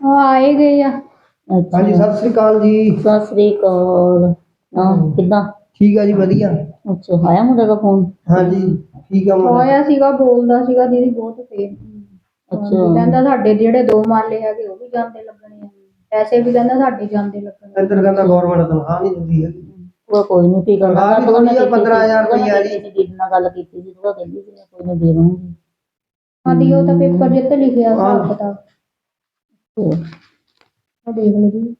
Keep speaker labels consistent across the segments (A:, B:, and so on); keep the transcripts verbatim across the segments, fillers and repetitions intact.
A: ਉਹ ਆਏ ਗਏ ਆ।
B: ਅੱਛਾ
C: ਹਾਂਜੀ ਸਤਿ ਸ੍ਰੀ ਅਕਾਲ ਜੀ।
B: ਸਤਿ ਸ੍ਰੀ ਅਕਾਲ। ਹਾਂ ਕਿੱਦਾਂ?
C: ਠੀਕ ਆ ਜੀ ਵਧੀਆ।
B: ਅੱਛਾ ਆਇਆ ਮੁੰਡੇ ਦਾ ਫੋਨ?
C: ਹਾਂਜੀ ਠੀਕ ਆ ਮੁੰਡਾ।
A: ਹੋਇਆ ਸੀਗਾ, ਬੋਲਦਾ ਸੀਗਾ ਦੀਦੀ ਬਹੁਤ ਫੇਰ।
B: ਅੱਛਾ
A: ਕਹਿੰਦਾ ਸਾਡੇ ਜਿਹੜੇ ਦੋ ਮਾਲੇ ਹੈਗੇ ਉਹ ਵੀ ਜਾਂਦੇ ਲੱਗਣੇ ਆ, ਪੈਸੇ ਵੀ ਕਹਿੰਦਾ ਸਾਡੇ ਜਾਂਦੇ ਲੱਗਣੇ।
C: ਇੱਧਰ ਕਹਿੰਦਾ ਗਵਰਨਮੈਂਟ ਤਨਖਾਹ ਨਹੀਂ ਦਿੰਦੀ ਹੈਗੀ।
B: ਉਹ ਕੋਈ ਨਹੀਂ ਫਿਕਰ ਨਾ
C: ਤਨਖਾਹ
B: ਕਰ,
C: ਵੀ
B: ਤੂੰ
C: ਥੋੜੀ ਆ ਪੰਦਰਾਂ ਹਜ਼ਾਰ ਰੁਪਈਆ ਜੀ।
B: ਦੀਦੀ ਨਾਲ ਗੱਲ ਕੀਤੀ ਸੀ, ਤੂੰ ਕਹਿੰਦੀ ਸੀ ਕੋਈ ਨਾ ਦੇ ਦੂੰਗੀ।
A: ਸਾਡੀ ਉਹ ਤਾਂ ਪੇਪਰ ਜਿੱਤ ਲਿਖਿਆ ਹਿਸਾਬ ਕਿਤਾਬ। ਆ ਦੇਖ ਲਓ ਜੀ।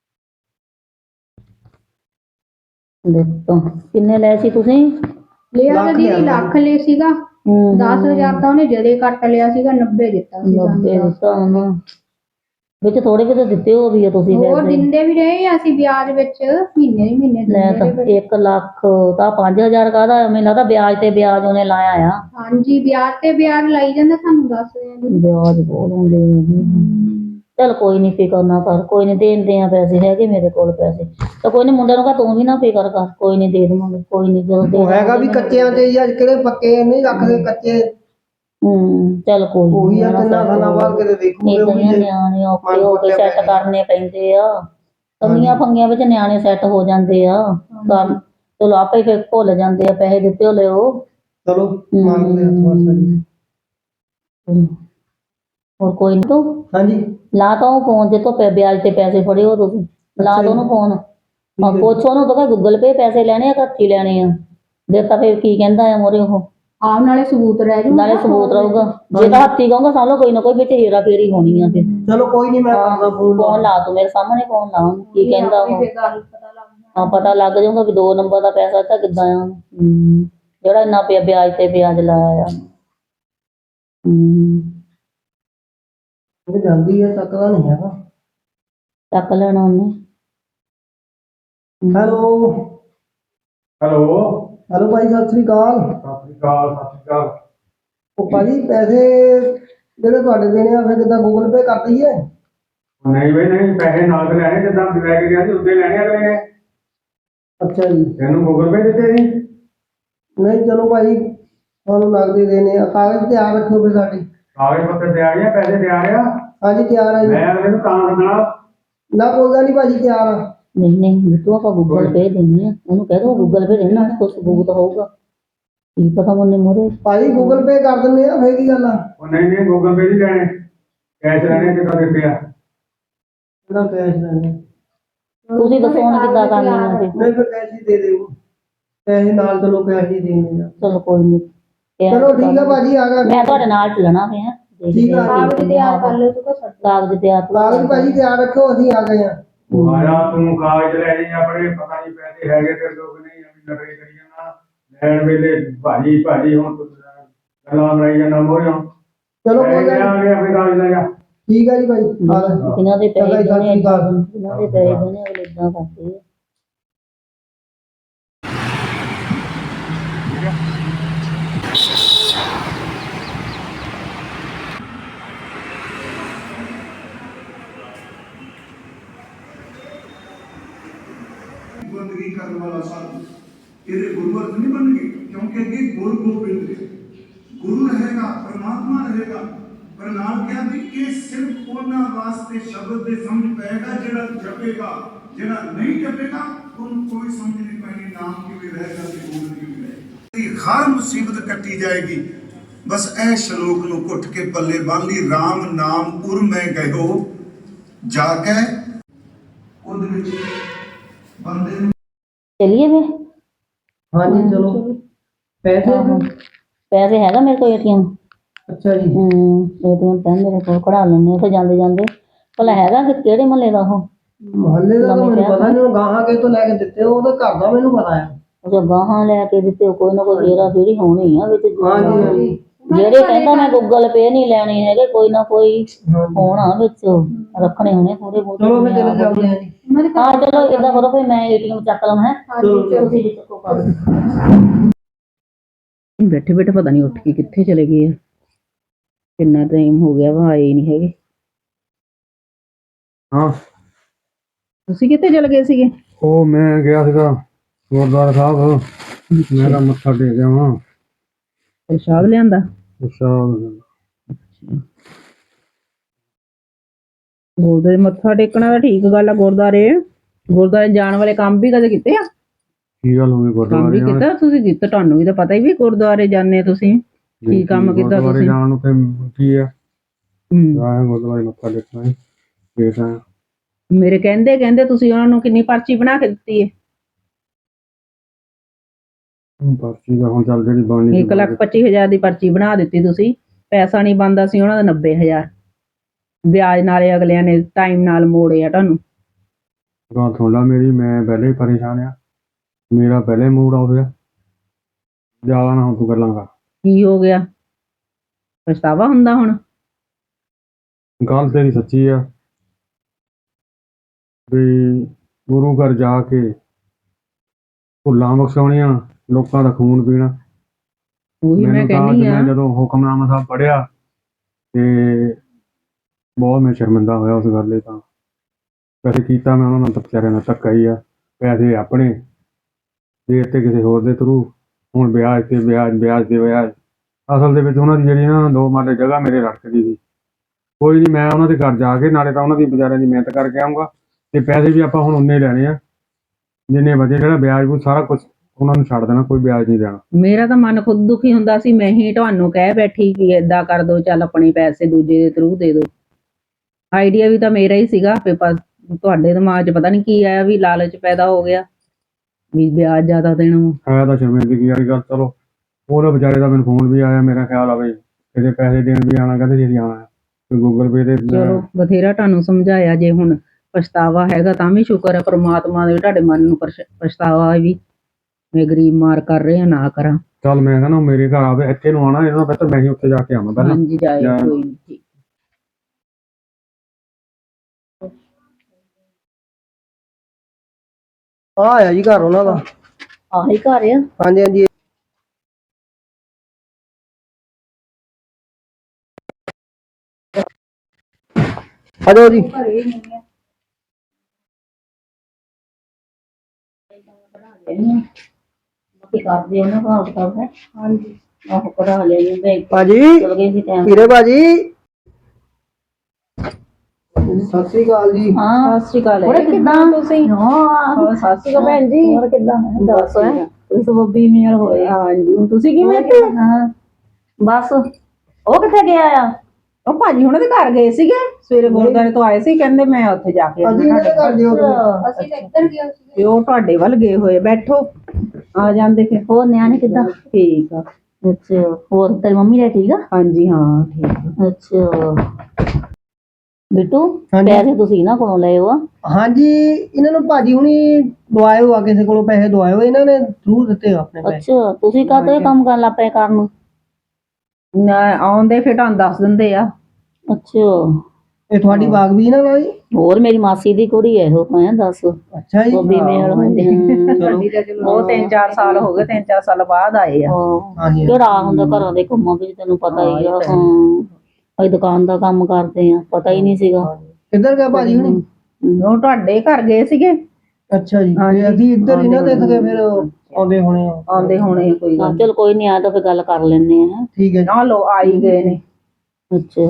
B: ਦੇਖੋ ਕਿੰਨੇ ਲਏ ਸੀ ਤੁਸੀਂ?
A: ਲਿਆ ਤਾਂ ਦੀਦੀ ਲੱਖ ਲੈ ਸੀਗਾ।
B: ਹੂੰ
A: ਦਸ ਹਜ਼ਾਰ ਤਾਂ ਉਹਨੇ ਜਦੇ ਕੱਟ ਲਿਆ ਸੀਗਾ, ਨੱਬੇ ਦਿੱਤਾ ਸੀ।
B: ਨੱਬੇ ਦਿੱਤਾ ਉਹਨੂੰ ਵਿੱਚ ਥੋੜੇ ਕਿਤੇ ਦਿੱਤੇ ਹੋ ਵੀ ਆ ਤੁਸੀਂ?
A: ਹੋਰ ਦਿੰਦੇ ਵੀ ਰਹੇ ਆ ਅਸੀਂ ਵਿਆਜ ਵਿੱਚ, ਮਹੀਨੇ ਦੀ ਮਹੀਨੇ
B: ਲੈ ਤਾਂ ਇੱਕ ਲੱਖ ਤਾਂ ਪੰਜ ਹਜ਼ਾਰ ਕਾਹਦਾ? ਮੈਨੂੰ ਲੱਗਦਾ ਵਿਆਜ ਤੇ ਵਿਆਜ ਉਹਨੇ ਲਾਇਆ ਆ।
A: ਹਾਂਜੀ ਵਿਆਜ ਤੇ ਵਿਆਜ ਲਾਈ ਜਾਂਦਾ, ਸਾਨੂੰ ਦੱਸ
B: ਵਿਆਜ ਬਹੁਤ ਹੁੰਦੇ। ਚੱਲ ਕੋਈ ਨਹੀਂ ਫਿਕਰ ਨਾ ਕਰ, ਕੋਈ ਨਹੀਂ ਦੇਂਦੇ ਆ ਪੈਸੇ, ਹੈਗੇ ਮੇਰੇ ਕੋਲ ਪੈਸੇ ਤਾਂ ਕੋਈ ਨਹੀਂ। ਮੁੰਡੇ ਨੂੰ ਕਹ ਤੂੰ ਵੀ ਨਾ ਫਿਕਰ ਕਰ, ਕੋਈ ਨਹੀਂ ਦੇ ਦੇਵਾਂਗੇ। ਕੋਈ ਨਹੀਂ ਜਦੋਂ
C: ਉਹ ਹੈਗਾ ਵੀ ਕੱਚਿਆਂ ਤੇ ਹੀ ਆ, ਕਿਹੜੇ ਪੱਕੇ ਨਹੀਂ ਰੱਖਦੇ ਕੱਚੇ।
B: ਹੂੰ ਚੱਲ ਕੋਈ ਨਹੀਂ।
C: ਉਹੀ ਆ ਤਿੰਨਾਂ ਸਾਲਾਂ ਬਾਅਦ ਕਿਤੇ ਦੇਖੂਗੇ ਉਹ ਵੀ।
B: ਨਿਆਣੇ ਔਖੇ ਹੋ ਕੇ ਸੈੱਟ ਕਰਨੇ ਪੈਂਦੇ ਆ, ਕੰਨੀਆਂ ਫੰਗੀਆਂ ਵਿੱਚ ਨਿਆਣੇ ਸੈੱਟ ਹੋ ਜਾਂਦੇ ਆ। ਕਰ ਚਲੋ ਆਪੇ ਫਿਰ ਭੁੱਲ ਜਾਂਦੇ ਆ, ਪੈਸੇ ਦਿੱਤੇ ਹੋਲੇ ਉਹ।
C: ਚਲੋ ਮੰਗਦੇ ਹੱਥ ਵਾਸਤਾ ਜੀ।
B: ਹੋਰ ਕੋਈ ਨਹੀਂ ਤੂੰ
C: ਹਾਂਜੀ
B: ਲਾ ਤਾ ਉਹ ਫੋਨ ਤੇ ਤੋਂ ਵਿਆਜ ਤੇ ਪੈਸੇ ਫੜੇ ਹੋ ਤੁਸੀਂ, ਲਾ ਦੋ ਉਹਨੂੰ ਫੋਨ। ਹਾਂ ਪੁੱਛ ਉਹਨੂੰ ਤਾਂ ਗੂਗਲ ਪੇ ਪੈਸੇ ਲੈਣੇ ਆ, ਹੱਥੀ ਲੈਣੇ ਆ। ਦੇਖਾ ਫਿਰ ਕੀ ਕਹਿੰਦਾ ਆ ਮੋਰੇ ਉਹ।
A: ਆਹ ਨਾਲੇ ਸਬੂਤ ਰਹਿ ਜੂ,
B: ਨਾਲੇ ਸਬੂਤ ਰਹੂਗਾ। ਜੇ ਤਾਂ ਹੱਥੀ ਕਹੂੰਗਾ ਸਮਝ ਲਓ ਕੋਈ ਨਾ ਕੋਈ ਵਿੱਚ ਹੇਰਾ ਫੇਰੀ ਹੋਣੀ ਆ ਫਿਰ।
C: ਚਲੋ ਕੋਈ ਨਹੀਂ ਮੈਂ ਕਰਦਾ ਫੋਨ।
B: ਫੋਨ ਲਾ ਤੂੰ ਮੇਰੇ ਸਾਹਮਣੇ, ਫੋਨ ਲਾ ਉਹਨੂੰ ਕੀ ਕਹਿੰਦਾ ਉਹ। ਹਾਂ ਪਤਾ ਲੱਗ ਜਾਊਗਾ ਵੀ ਦੋ ਨੰਬਰ ਦਾ ਪੈਸਾ ਤਾਂ ਕਿੱਦਾਂ ਆ। ਹੂੰ ਜਿਹੜਾ ਇੰਨਾ ਪਿਆ ਵਿਆਜ ਤੇ ਵਿਆਜ ਲਾਇਆ ਆ। ਹੂੰ
C: ਜਾਂਦੀ ਹੈ ਚੱਕਦਾ ਨਹੀਂ ਹੈਗਾ।
B: ਚੱਕ ਲੈਣਾ ਉਹਨੇ।
C: ਹੈਲੋ
D: ਹੈਲੋ
C: ਹੈਲੋ ਭਾਈ ਸਤਿ ਸ੍ਰੀ ਅਕਾਲ।
D: ਸਤਿ ਸ਼੍ਰੀ ਅਕਾਲ ਸਤਿ ਸ਼੍ਰੀ ਅਕਾਲ।
C: ਉਹ ਭਾਜੀ ਪੈਸੇ ਜਿਹੜੇ ਤੁਹਾਡੇ ਦੇਣੇ ਆ ਫਿਰ ਕਿੱਦਾਂ ਗੂਗਲ ਪੇ ਕਰ ਦਈਏ?
D: ਨਹੀਂ ਬਈ ਨਹੀਂ, ਪੈਸੇ ਨਾਲ ਤੇ ਲੈਣੇ, ਜਿੱਦਾਂ ਲੈ ਕੇ ਗਿਆ ਸੀ ਉੱਦੇ ਲੈਣੇ ਅਗਲੇ ਨੇ।
C: ਅੱਛਾ ਜੀ
D: ਤੈਨੂੰ ਗੂਗਲ ਪੇ ਦਿੱਤੇ ਸੀ?
C: ਨਹੀਂ ਚਲੋ ਭਾਜੀ ਤੁਹਾਨੂੰ ਨਗਦੀ ਦੇਣੇ ਆ, ਕਾਗਜ਼ ਤਿਆਰ ਰੱਖਿਓ ਫਿਰ ਸਾਡੇ।
D: ਕਾਗਜ਼ ਪੱਤਰ ਤਿਆਰ ਆ, ਪੈਸੇ ਤਿਆਰ ਆ?
C: ਹਾਂਜੀ ਤਿਆਰ ਆ ਜੀ।
D: ਮੈਂ ਅਗਲੇ ਨੂੰ ਤਾਂ ਦੱਸਣਾ।
C: ਨਾ ਕੋਈ ਗੱਲ ਨਹੀਂ ਭਾਜੀ ਤਿਆਰ ਆ।
B: ਨਹੀਂ ਨਹੀਂ ਤੂੰ ਆਪਾਂ ਗੂਗਲ ਪੇ ਦੇਣੀ ਆ, ਉਹਨੂੰ ਕਹਿ ਦੋ ਗੂਗਲ ਪੇ ਦੇਣਾ, ਕੁਛ ਸਬੂਤ ਹੋਊਗਾ। ਕੀ ਪਤਾ ਮੁੰਨੇ ਮੋਰੇ
C: ਭਾਜੀ ਗੂਗਲ ਪੇ ਕਰ ਦਿੰਦੇ ਆ, ਫੇਰ ਕੀ ਗੱਲ ਆ?
D: ਉਹ ਨਹੀਂ ਨਹੀਂ ਗੂਗਲ ਪੇ ਨਹੀਂ ਲੈਣੇ, ਕੈਸ਼ ਲੈਣੇ। ਕਿੱਦਾਂ ਦਿੱਤੇ ਆ?
C: ਕਿਹੜਾ ਕੈਸ਼ ਲੈਣੇ?
B: ਤੁਸੀਂ ਦੱਸੋ ਹੁਣ ਕਿੱਦਾਂ ਕਰਨੀ ਆ ਫਿਰ?
C: ਨਹੀਂ ਫਿਰ ਕੈਸ਼ ਹੀ ਦੇ ਦਿਓ, ਪੈਸੇ ਨਾਲ ਚਲੋ ਕੈਸ਼ ਹੀ ਦੇਣੇ ਆ।
B: ਚਲੋ ਕੋਈ ਨਹੀਂ।
C: ਚਲੋ ਠੀਕ ਆ ਭਾਜੀ ਆ ਗਿਆ।
B: ਮੈਂ ਤੁਹਾਡੇ ਨਾਲ ਚੱਲਣਾ ਪਿਆ।
C: ਠੀਕ ਆ
A: ਕਾਗਜ਼ ਤਿਆਰ ਕਰ ਲਓ ਤੂੰ।
B: ਕਾਗਜ਼ ਤਿਆਰ
C: ਕਾਗਜ਼ ਭਾਜੀ ਤਿਆਰ ਰੱਖੋ, ਅਸੀਂ ਆ ਗਏ ਆ।
D: ਉਹ ਆਇਆ ਤੂੰ ਕਾਗਜ਼ ਲੈ ਜਾਈਂ ਆਪਣੇ, ਪਤਾ ਨਹੀਂ ਪੈਸੇ ਹੈਗੇ ਤੇਰੇ ਕੋਲ ਕਿ ਨਹੀਂ। ਅਭੀ ਨਕਲੀ ਕਰੀ ਜਾਣਾ ਲੈਣ ਵੇਲੇ ਭਾਜੀ ਭਾਜੀ, ਹੁਣ ਤੂੰ ਗੱਲਾਂ ਬਣਾਈ ਜਾਣਾ ਮੋਰਿਓ।
C: ਚਲੋ ਕੋਈ ਗੱਲ
D: ਆ ਗਿਆ ਆਪਣੇ ਕਾਗਜ਼ ਲੈ ਜਾ।
C: ਠੀਕ ਆ ਜੀ ਭਾਈ।
B: ਇਹਨਾਂ ਦੇ ਪੈਸੇ ਦੇਣੇ, ਇਹਨਾਂ ਦੇ ਪੈਸੇ ਦੇਣੇ ਅਗਲੇ ਇਦਾਂ ਕਰਦੇ ਆ।
E: बंदगी करने वाला साधु तेरे गुरुवर्ग नहीं बन गए, क्योंकि अगे गुरु गोबिंद है, गुरु रहेगा, परमात्मा रहेगा। पर नाल क्या भी कि सिर्फ उन्हां वास्ते शब्द दे समझ पेगा जेड़ा जपेगा, जेड़ा नहीं जपेगा उन कोई समझ नहीं पैनी। नाम किवें रहेगा ते बोल किवें रहेगा। हर मुसीबत कटी जाएगी। बस ऐ श्लोक नूं घुट के पल्ले बन ली। राम नाम उर मैं गयो जाके उद विच बंदे।
B: चलिए फिर।
C: हाँ जी चलो। पैसे
B: पैसे हैगा मेरे को एटीएम।
C: अच्छा जी।
B: एटीएम पेन मेरे को कढ़ा लेने उथे जांदे जांदे। भला हैगा कि केड़े महल्ले दा हो?
C: महल्ले दा तो मैनूं पता नहीं, गाहां के तो लेके दित्ते हो, तो घर दा मैनूं पता है।
B: अच्छा गाहां लेके दित्ते हो, कोई ना कोई हेरा फेरी होनी है विच।
C: हां जी हां जी।
B: ਜਿਹੜੇ ਕਹਿੰਦਾ ਮੈਂ ਗੂਗਲ ਪੇ ਨਹੀਂ ਲੈਣੇ ਹੈਗੇ, ਕੋਈ ਨਾ ਕੋਈ ਹੋਣਾ ਵਿੱਚ ਰੱਖਣੇ ਹੋਣੇ ਥੋੜੇ ਬਹੁਤ।
C: ਚਲੋ ਮੈਂ ਚਲੇ ਜਾਂਦੇ ਆ ਜੀ।
B: ਹਾਂ ਚਲੋ ਇਦਾਂ ਕਰੋ ਫਿਰ ਮੈਂ ਏਟੀਐਮ ਚੱਕ ਲਵਾਂ। ਹੈ ਤੁਸੀਂ ਵੀ ਚੱਕੋ ਕਾਗਜ਼। ਬੈਠੇ ਬੈਠੇ ਪਤਾ ਨਹੀਂ ਉੱਠ ਕੇ ਕਿੱਥੇ ਚਲੇ ਗਏ ਆ। ਕਿੰਨਾ ਟਾਈਮ ਹੋ ਗਿਆ ਵਾ, ਆਏ ਨਹੀਂ ਹੈਗੇ।
D: ਹਾਂ
B: ਤੁਸੀਂ ਕਿੱਥੇ ਚਲੇ ਗਏ ਸੀਗੇ?
D: ਉਹ ਮੈਂ ਗਿਆ ਸੀਗਾ ਗੁਰਦੁਆਰਾ ਸਾਹਿਬ, ਮੈਂ ਤਾਂ ਮੱਥਾ ਟੇਕ ਗਿਆ ਵਾਂ।
B: ਪ੍ਰਸ਼ਾਦ ਲਿਆਂਦਾ?
D: ਪ੍ਰਸ਼ਾਦ
F: ਗੁਰਦੁਆਰੇ ਮੱਥਾ ਟੇਕਣਾ ਤਾਂ ਠੀਕ ਗੱਲ ਆ। ਗੁਰਦੁਆਰੇ ਗੁਰਦੁਆਰੇ ਜਾਣ ਵਾਲੇ ਕੰਮ ਵੀ ਕਦੇ ਕੀਤੇ ਆ?
D: ਕੀ ਗੱਲ ਹੋ ਗਈ
F: ਕੰਮ ਵੀ
D: ਗੁਰਦੁਆਰੇ
F: ਕੀਤਾ ਤੁਸੀਂ? ਕੀਤਾ ਤੁਹਾਨੂੰ ਵੀ ਤਾਂ ਪਤਾ ਹੀ ਵੀ ਗੁਰਦੁਆਰੇ ਜਾਂਦੇ ਤੁਸੀਂ ਕੀ ਕੰਮ ਕੀਤਾ
D: ਗੁਰਦੁਆਰੇ
F: ਤੁਸੀਂ?
D: ਜਾਣ ਨੂੰ ਤੇ ਕੀ ਆ
F: ਹੂੰ।
D: ਆਇਆ ਗੁਰਦੁਆਰੇ ਮੱਥਾ ਟੇਕਣਾ ਸੀ ਫੇਰ ਆਇਆ।
F: ਮੇਰੇ ਕਹਿੰਦੇ ਕਹਿੰਦੇ ਤੁਸੀਂ ਉਹਨਾਂ ਨੂੰ ਕਿੰਨੀ ਪਰਚੀ ਬਣਾ ਕੇ ਦਿੱਤੀ ਹੈ?
D: ਪਰਚੀ ਦਾ ਹੁਣ ਚੱਲ ਜਿਹੜੀ ਬਣਨੀ
F: ਇੱਕ ਲੱਖ ਪੱਚੀ ਹਜ਼ਾਰ ਦੀ ਪਰਚੀ ਬਣਾ ਦਿੱਤੀ ਤੁਸੀਂ। ਪੈਸਾ ਨਹੀਂ ਬਣਦਾ ਸੀ ਉਹਨਾਂ ਦਾ ਨੱਬੇ ਹਜ਼ਾਰ, ਵਿਆਜ ਨਾਲੇ ਅਗਲਿਆਂ ਨੇ ਟਾਈਮ ਨਾਲ ਮੋੜਿਆ ਤੁਹਾਨੂੰ।
D: ਗੱਲ ਸੁਣ ਲਾ ਮੇਰੀ, ਮੈਂ ਪਹਿਲੇ ਹੀ ਪਰੇਸ਼ਾਨ ਆ, ਮੇਰਾ ਪਹਿਲੇ ਮੂਡ ਆਫ ਆ। ਜ਼ਿਆਦਾ ਨਾ ਹੁਣ ਤੂੰ ਗੱਲਾਂ ਕਰ।
F: ਕੀ ਹੋ ਗਿਆ? ਪਛਤਾਵਾ ਹੁੰਦਾ ਹੁਣ?
D: ਗੱਲ ਤੇਰੀ ਸੱਚੀ ਆ ਵੀ ਗੁਰੂ ਘਰ ਜਾ ਕੇ ਭੁੱਲਾਂ ਬਖਸ਼ਾਉਣੀਆਂ, ਲੋਕਾਂ ਦਾ ਖੂਨ ਪੀਣਾ।
F: ਉਹੀ ਮੈਂ
D: ਮੈਨੂੰ ਤਾਂ
F: ਕਹਿੰਦੀ
D: ਅੱਜ
F: ਆ।
D: ਮੈਂ ਜਦੋਂ ਹੁਕਮਨਾਮਾ ਸਾਹਿਬ ਪੜ੍ਹਿਆ ਤੇ ਬਹੁਤ ਮੈਂ ਸ਼ਰਮਿੰਦਾ ਹੋਇਆ ਉਸ ਗੱਲ ਲਈ। ਤਾਂ ਵੈਸੇ ਕੀਤਾ ਮੈਂ ਉਹਨਾਂ ਨਾਲ ਤਾਂ ਵਿਚਾਰਿਆਂ ਨਾਲ ਧੱਕਾ ਹੀ ਆ। ਪੈਸੇ ਆਪਣੇ ਦੇ ਦਿੱਤੇ ਕਿਸੇ ਹੋਰ ਦੇ ਥਰੂ, ਹੁਣ ਵਿਆਜ ਤੇ ਵਿਆਜ, ਵਿਆਜ ਤੇ ਵਿਆਜ। ਅਸਲ ਦੇ ਵਿੱਚ ਉਹਨਾਂ ਦੀ ਜਿਹੜੀ ਨਾ ਦੋ ਮਰਲੇ ਜਗ੍ਹਾ ਮੇਰੇ ਰੜਕਦੀ ਸੀ। ਕੋਈ ਨਹੀਂ, ਮੈਂ ਉਹਨਾਂ ਦੇ ਘਰ ਜਾ ਕੇ ਨਾਲੇ ਤਾਂ ਉਹਨਾਂ ਦੀ ਵਿਚਾਰਿਆਂ ਦੀ ਮਿਹਨਤ ਕਰਕੇ ਆਊਂਗਾ ਤੇ ਪੈਸੇ ਵੀ ਆਪਾਂ ਹੁਣ ਉਨੇ ਲੈਣੇ ਆ ਜਿੰਨੇ ਵਧੇ। ਜਿਹੜਾ ਵਿਆਜ ਉਹ ਸਾਰਾ ਕੁਝ ਉਹਨਾਂ ਨੂੰ ਛੱਡ ਦੇਣਾ, ਕੋਈ ਵਿਆਜ ਨਹੀਂ ਦੇਣਾ।
F: ਮੇਰਾ ਤਾਂ ਮਨ ਖੁਦ ਦੁਖੀ ਹੁੰਦਾ ਸੀ। ਮੈਂ ਹੀ ਤੁਹਾਨੂੰ ਕਹਿ ਬੈਠੀ ਵੀ ਏਦਾਂ ਕਰ ਦੋ, ਚੱਲ ਆਪਣੇ ਪੈਸੇ ਦੂਜੇ ਦੇ ਥਰੂ ਦੇ ਦੋ। ਆਈਡੀਆ ਵੀ ਤਾਂ ਮੇਰਾ ਹੀ ਸੀਗਾ, ਪੇਪਰ ਤੁਹਾਡੇ ਦਿਮਾਗ 'ਚ ਪਤਾ ਨਹੀਂ ਕੀ ਆਇਆ ਵੀ ਲਾਲਚ ਪੈਦਾ ਹੋ ਗਿਆ ਵੀ ਵਿਆਜ ਜ਼ਿਆਦਾ ਦੇਣਾ।
D: ਹੈ ਤਾਂ ਸ਼ਰਮਿੰਦਗੀ ਵਾਲੀ ਗੱਲ। ਚਲੋ ਉਹਦਾ ਵਿਚਾਰੇ ਦਾ ਮੈਨੂੰ ਫੋਨ ਵੀ ਆਇਆ, ਮੇਰਾ ਖਿਆਲ ਆਵੇ ਇਹਦੇ ਪੈਸੇ ਦੇਣ ਵੀ ਆਉਣਾ, ਕਹਿੰਦੇ ਜੀ ਆਉਣਾ ਤੇ ਗੂਗਲ ਪੇ ਤੇ।
F: ਚਲੋ ਬਥੇਰਾ ਤੁਹਾਨੂੰ ਸਮਝਾਇਆ, ਜੇ ਹੁਣ ਪਛਤਾਵਾ ਹੈਗਾ ਤਾਂ ਵੀ ਸ਼ੁਕਰ ਹੈ ਪ੍ਰਮਾਤਮਾ ਦੇ, ਤੁਹਾਡੇ ਮਨ ਨੂੰ ਪਛ- ਪਛਤਾਵਾ ਵੀ ਮੈਂ ਗਰੀਬ ਮਾਰ ਕਰ ਰਿਹਾ ਨਾ ਕਰਾਂ।
D: ਚੱਲ ਮੈਂ ਕਹਿੰਦਾ ਮੇਰੇ ਘਰ ਆਵੇ, ਇੱਥੇ ਨੂੰ ਆਉਣਾ ਇਹਨਾਂ ਬਿਹਤਰ ਮੈਂ ਹੀ ਉੱਥੇ ਜਾ ਕੇ ਆਵਾਂ ਪਹਿਲਾਂ।
F: ਹਾਂਜੀ ਜਾਏ
D: ਜਾਂ-
F: ਕੋਈ ਨਹੀਂ। ਠੀਕ।
C: ਆ ਆਇਆ ਜੀ ਘਰ ਉਹਨਾਂ ਦਾ।
B: ਆਹੀ ਘਰ ਆ।
C: ਹਾਂਜੀ ਹਾਂਜੀ। ਆ ਜਾਓ ਜੀ।
A: ਘਰੇ ਹੀ ਨਹੀਂ ਹੈ।
B: ਕੀ ਕਰਦੇ ਉਹਨਾਂ ਭਾਵ ਸਾਹਿਬ ਹੈ?
A: ਹਾਂਜੀ
B: ਆਹੋ ਕਢਾ ਲਿਆ ਮੈਂ
C: ਭਾਜੀ
B: ਚਲ ਗਏ ਸੀ ਟਾਈਮ।
C: ਵੀਰੇ ਭਾਜੀ ਸਤਿ ਸ੍ਰੀ ਅਕਾਲ ਜੀ।
B: ਹਾਂ
F: ਸਤਿ ਸ਼੍ਰੀ ਅਕਾਲ।
B: ਹੋਰ ਕਿੱਦਾਂ
F: ਤੁਸੀਂ?
B: ਹਾਂ
F: ਹੋਰ ਸਤਿ ਸ਼੍ਰੀ ਅਕਾਲ ਭੈਣ ਜੀ।
B: ਹੋਰ ਕਿੱਦਾਂ ਦੱਸ ਤੁਸੀਂ ਬੱਬੀ ਮੇਲ ਹੋਏ।
F: ਹਾਂਜੀ ਤੁਸੀਂ ਕਿਵੇਂ ਇੱਥੇ?
B: ਹਾਂ ਬਸ ਉਹ ਕਿੱਥੇ ਗਿਆ ਆ?
F: ਉਹ ਭਾਜੀ ਹੁਣਾਂ ਦੇ ਘਰ ਗਏ ਸੀਗੇ ਸਵੇਰੇ, ਗੁਰਦੁਆਰੇ ਤੋਂ ਆਏ ਸੀ, ਕਹਿੰਦੇ ਮੈਂ ਉੱਥੇ ਜਾ ਕੇ ਆਉਣਾ
C: ਅਸੀਂ ਇਹਨਾਂ ਦੇ
F: ਤੁਹਾਡੇ
C: ਘਰ ਦਿਓ
B: ਅੱਛਾ,
A: ਅਸੀਂ ਤਾਂ ਇੱਧਰ ਗਏ ਸੀਗੇ।
F: ਤੇ ਉਹ ਤੁਹਾਡੇ ਵੱਲ ਗਏ ਹੋਏ। ਬੈਠੋ, ਆ ਜਾਂਦੇ ਫਿਰ।
B: ਹੋਰ ਨਿਆਣੇ ਕਿੱਦਾਂ?
F: ਠੀਕ ਆ।
B: ਅੱਛਾ, ਹੋਰ ਤੇਰੀ ਮੰਮੀ ਦਾ ਠੀਕ ਆ?
F: ਹਾਂਜੀ ਹਾਂ ਠੀਕ ਆ।
B: ਅੱਛਾ ਬਿੱਟੂ,
C: ਹਾਂਜੀ।
B: ਪੈਸੇ ਤੁਸੀਂ ਇਹਨਾਂ ਕੋਲੋਂ ਲਏ ਹੋ ਆ?
C: ਹਾਂਜੀ, ਇਹਨਾਂ ਨੂੰ ਭਾਜੀ ਹੁਣੀ ਦਵਾਏ ਹੋ ਆ, ਕਿਸੇ ਕੋਲੋਂ ਪੈਸੇ ਦਵਾਏ ਹੋ, ਇਹਨਾਂ ਨੇ ਜ਼ਰੂਰ ਦਿੱਤੇ ਆ ਆਪਣੇ ਪੈਸੇ।
B: ਅੱਛਾ, ਤੁਸੀਂ ਕਾਹਤੋਂ ਇਹ ਕੰਮ ਕਰਨ ਲੱਗ ਪਏ ਕਰਨ?
F: ਨਾ ਆਉਂਦੇ ਫਿਰ ਤੁਹਾਨੂੰ ਦੱਸ ਦਿੰਦੇ ਆ।
B: ਅੱਛਾ,
C: ਇਹ ਤੁਹਾਡੀ ਬਾਗ ਵੀ ਨਾ ਭਾਈ?
B: ਹੋਰ ਮੇਰੀ ਮਾਸੀ ਦੀ ਕੁੜੀ ਹੈ ਉਹ, ਮੈਂ ਦੱਸ
C: ਅੱਛਾ ਜੀ।
B: ਬੱਬੀ ਮੇਲ ਹੁੰਦੇ ਹਾਂ।
C: ਚਲੋ
F: ਉਹ ਤਿੰਨ ਚਾਰ ਸਾਲ ਹੋ ਗਏ, ਤਿੰਨ ਚਾਰ ਸਾਲ ਬਾਅਦ ਆਏ ਆ।
C: ਹਾਂਜੀ।
B: ਕਿਹੜਾ ਹੁੰਦਾ ਘਰਾਂ ਦੇ ਕੰਮਾਂ ਵਿੱਚ, ਤੈਨੂੰ ਪਤਾ ਹੀ ਆ। ਹਾਂ ਅਸੀਂ ਦੁਕਾਨ ਦਾ ਕੰਮ ਕਰਦੇ ਆ, ਪਤਾ ਹੀ ਨਹੀਂ ਸੀਗਾ।
C: ਕਿੱਧਰ ਗਿਆ ਭਾਜੀ ਹੁਣੀ?
F: ਉਹ ਤੁਹਾਡੇ ਘਰ ਗਏ ਸੀਗੇ।
C: ਅੱਛਾ ਜੀ।
F: ਹਾਂਜੀ।
C: ਤੇ ਅਸੀਂ ਇੱਧਰ ਇਹਨਾਂ ਦੇ ਸਕੇ ਫਿਰ ਆਉਂਦੇ ਹੋਣੇ ਆ।
F: ਆਉਂਦੇ ਹੋਣੇ ਆ, ਕੋਈ
B: ਹਾਂ
F: ਗੱਲ
B: ਚਲ ਕੋਈ ਨਹੀਂ, ਆ ਤਾਂ ਫਿਰ ਗੱਲ ਕਰ ਲੈਂਦੇ ਆ।
C: ਠੀਕ ਹੈ ਜੀ।
F: ਨਾ ਲੋ ਆਈ ਗਏ ਨੇ।
B: ਅੱਛਾ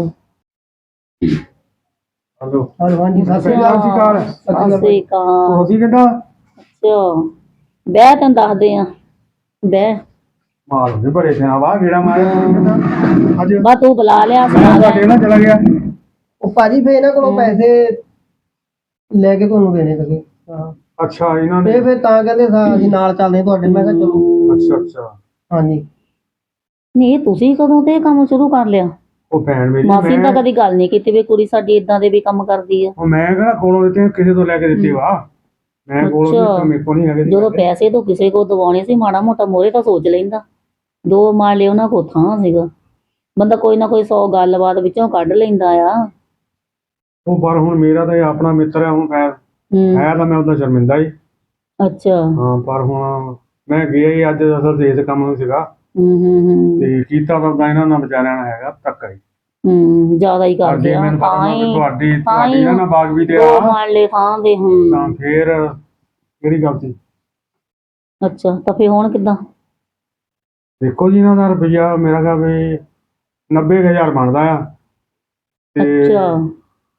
D: ਹਲੋ
C: ਹਲੋ ਹਾਂਜੀ, ਸਤਿ ਸ੍ਰੀ
D: ਸਤਿ ਸ਼੍ਰੀ
C: ਅਕਾਲ।
D: ਅਕਾਲ।
B: ਸਤਿ ਸ੍ਰੀ ਅਕਾਲ।
D: ਤੁਸੀਂ ਕਿੱਦਾਂ?
B: ਅੱਛਾ ਬਹਿ ਤੈਨੂੰ ਦੱਸਦੇ ਆ, ਬਹਿ
D: ਮਾਲ ਹੁੰਦੇ ਬੜੇ ਸਿਆ ਵਾਹ ਗੇੜਾ ਮਾਰਿਆ ਤੁਸੀਂ ਕਿੱਦਾਂ ਅੱਜ?
B: ਬਾ ਤੂੰ ਬੁਲਾ ਲਿਆ ਸੀ
D: ਮੈਂ
B: ਆ
D: ਤੁਹਾਡੇ
B: ਗਏ।
D: ਨਾਲ ਚਲਾ ਗਿਆ।
C: ਉਹ ਭਾਜੀ ਫੇ ਇਹਨਾਂ ਕੋਲੋਂ ਪੈਸੇ ਲੈ ਕੇ ਤੁਹਾਨੂੰ ਦੇਣੇ ਸੀਗੇ। ਹਾਂ
D: ਅੱਛਾ ਇਹਨਾਂ
C: ਤੇ
D: ਨੇ।
C: ਫਿਰ ਤਾਂ ਕਹਿੰਦੇ ਸਾ ਅਸੀਂ ਨਾਲ ਚੱਲਦੇ ਹਾਂ ਤੁਹਾਡੇ। ਮੈਂ ਕਿਹਾ ਚਲੋ।
D: ਅੱਛਾ ਅੱਛਾ।
C: ਹਾਂਜੀ।
B: ਨਹੀਂ ਤੁਸੀਂ ਕਦੋਂ ਤੇ ਇਹ ਕੰਮ ਸ਼ੁਰੂ ਕਰ ਲਿਆ?
D: ਉਹ ਭੈਣ ਮੇਰੀ,
B: ਮਾਸੀ ਨੇ ਤਾਂ
D: ਮੈਂ
B: ਕਦੀ ਗੱਲ ਨਹੀਂ ਕੀਤੀ ਵੀ ਕੁੜੀ ਸਾਡੀ ਇਦਾਂ ਦੇ ਵੀ ਕੰਮ ਕਰਦੀ ਆ।
D: ਉਹ ਮੈਂ ਕਿਹੜਾ ਕੋਲੋਂ ਦਿੱਤੇ, ਕਿਸੇ ਤੋਂ ਲੈ ਕੇ ਦਿੱਤੇ ਵਾ। ਮੈਂ ਕੋਲੋਂ
B: ਅੱਛਾ।
D: ਦਿੱਤੇ, ਮੇਰੇ ਕੋਲ ਨਹੀਂ ਹੈਗੇ।
B: ਜਦੋਂ ਪੈਸੇ ਤੋਂ ਕਿਸੇ ਕੋਲ ਦਵਾਉਣੇ ਸੀ, ਮਾੜਾ ਮੋਟਾ ਮੋਰੇ ਤਾਂ ਸੋਚ ਲੈਂਦਾ। ਦੋ ਮਾਰ ਲਏ ਉਹਨਾਂ ਕੋਲ ਥਾਂ ਸੀਗਾ, ਬੰਦਾ ਕੋਈ ਨਾ ਕੋਈ ਸੌ ਗੱਲਬਾਤ ਵਿੱਚੋਂ ਕੱਢ ਲੈਂਦਾ ਆ।
D: ਉਹ ਪਰ ਹੁਣ ਮੇਰਾ ਤਾਂ ਇਹ ਆਪਣਾ ਮਿੱਤਰ ਹੈ, ਹੁਣ ਖੈਰ
B: ਹੂੰ
D: ਹੈ ਤਾਂ ਮੈਂ ਉਹਦਾ ਸ਼ਰਮਿੰਦਾ ਹੀ।
B: ਅੱਛਾ।
D: ਹਾਂ ਪਰ ਹੁਣ ਮੈਂ ਗਿਆ ਹੀ ਅੱਜ ਅਸਲ ਤੇ ਇਸ ਕੰਮ ਨੂੰ ਸੀਗਾ
B: ਹੂੰ ਹੂੰ ਹੂੰ
D: ਤੇ ਕੀਤਾ ਤਾਂ ਉਦਾਂ ਇਹਨਾਂ ਨਾਲ ਵਿਚਾਰਿਆਂ ਨਾਲ ਹੈਗਾ ਧੱਕਾ ਹੀ।
B: ਹੂੰ ਜ਼ਿਆਦਾ ਹੀ
D: ਪਰ
B: ਕਰਦੇ
D: ਜੇ
B: ਆ
D: ਮੈਨੂੰ ਪਤਾ
B: ਤਾਂ
D: ਨਾ ਕਿ
B: ਹੀ
D: ਤੁਹਾਡੀ
B: ਤਾਂ
D: ਤੁਹਾਡੀ
B: ਹੀ
D: ਇਹਨਾਂ ਨਾਲ ਬਾਗ ਵੀ ਤੇ
B: ਦੋ
D: ਆ
B: ਮਾਰ ਲਏ ਥਾਂ ਦੇ। ਹੂੰ
D: ਤਾਂ ਫੇਰ ਕਿਹੜੀ ਗੱਲ ਸੀ?
B: ਅੱਛਾ ਤਾਂ ਫੇਰ ਹੁਣ ਕਿੱਦਾਂ?
D: ਦੇਖੋ ਜੀ, ਇਹਨਾਂ ਦਾ ਰੁਪਈਆ ਮੇਰਾ ਕਹਾ ਵੀ ਨੱਬੇ ਕੁ ਹਜ਼ਾਰ ਬਣਦਾ ਆ ਤੇ
B: ਅੱਛਾ